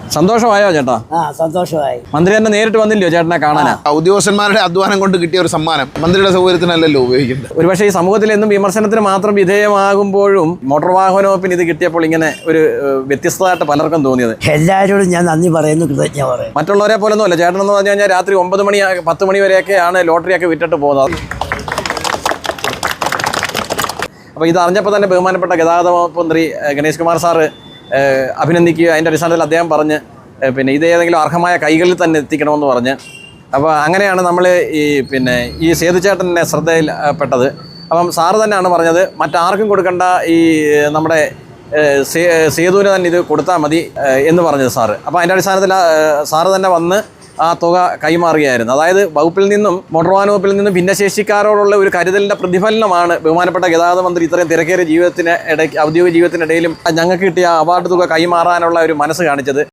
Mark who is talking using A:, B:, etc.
A: സന്തോഷമായോ ചേട്ടാ?
B: സന്തോഷമായി.
A: മന്ത്രി തന്നെ നേരിട്ട് വന്നില്ലയോ ചേട്ടനെ കാണാനാ?
C: ഉദ്യോഗസ്ഥന്മാരുടെ അധ്വാനം കൊണ്ട് കിട്ടിയ ഒരു സമ്മാനം മന്ത്രിയുടെ സൗകര്യത്തിനല്ലല്ലോ ഉപയോഗിക്കുന്നത്.
A: ഒരുപക്ഷെ ഈ സമൂഹത്തിൽ എന്നും വിമർശനത്തിന് മാത്രം വിധേയമാകുമ്പോഴും മോട്ടോർ വാഹന വകുപ്പിന് ഇത് കിട്ടിയപ്പോൾ ഇങ്ങനെ ഒരു വ്യത്യസ്തമായിട്ട് പലർക്കും തോന്നിയത്.
B: എല്ലാവരോടും ഞാൻ നന്ദി പറയുന്നു, കൃതജ്ഞ പറയുന്നു.
A: മറ്റുള്ളവരെ പോലൊന്നും അല്ല. ചേട്ടൻ എന്ന് പറഞ്ഞു കഴിഞ്ഞാൽ രാത്രി 9 മണി 10 മണി വരെയൊക്കെയാണ് ലോട്ടറിയൊക്കെ വിറ്റിട്ട് പോകുന്നത്. അപ്പോൾ ഇത് അറിഞ്ഞപ്പോൾ തന്നെ ബഹുമാനപ്പെട്ട ഗതാഗത വകുപ്പ് മന്ത്രി ഗണേഷ് കുമാർ സാറ് അഭിനന്ദിക്കുക. അതിൻ്റെ അടിസ്ഥാനത്തിൽ അദ്ദേഹം പറഞ്ഞ് പിന്നെ ഇത് ഏതെങ്കിലും അർഹമായ കൈകളിൽ തന്നെ എത്തിക്കണമെന്ന് പറഞ്ഞ്, അപ്പോൾ അങ്ങനെയാണ് നമ്മൾ ഈ സേതുചേട്ടൻ്റെ ശ്രദ്ധയിൽപ്പെട്ടത്. അപ്പം സാറ് തന്നെയാണ് പറഞ്ഞത് മറ്റാർക്കും കൊടുക്കേണ്ട, ഈ നമ്മുടെ സേതുവിന് തന്നെ ഇത് കൊടുത്താൽ മതി എന്ന് പറഞ്ഞത് സാറ്. അപ്പോൾ അതിൻ്റെ അടിസ്ഥാനത്തിൽ സാറ് തന്നെ വന്ന് ആ തുക കൈമാറുകയായിരുന്നു. അതായത് വകുപ്പിൽ നിന്നും മോട്ടോർ വാഹന വകുപ്പിൽ നിന്നും ഭിന്നശേഷിക്കാരോടുള്ള ഒരു കരുതലിൻ്റെ പ്രതിഫലനമാണ് ബഹുമാനപ്പെട്ട ഗതാഗത മന്ത്രി ഇത്രയും തിരക്കേറിയ ഔദ്യോഗിക ജീവിതത്തിനിടയിലും ഞങ്ങൾക്ക് കിട്ടിയ അവാർഡ് തുക കൈമാറാനുള്ള ഒരു മനസ്സ് കാണിച്ചത്.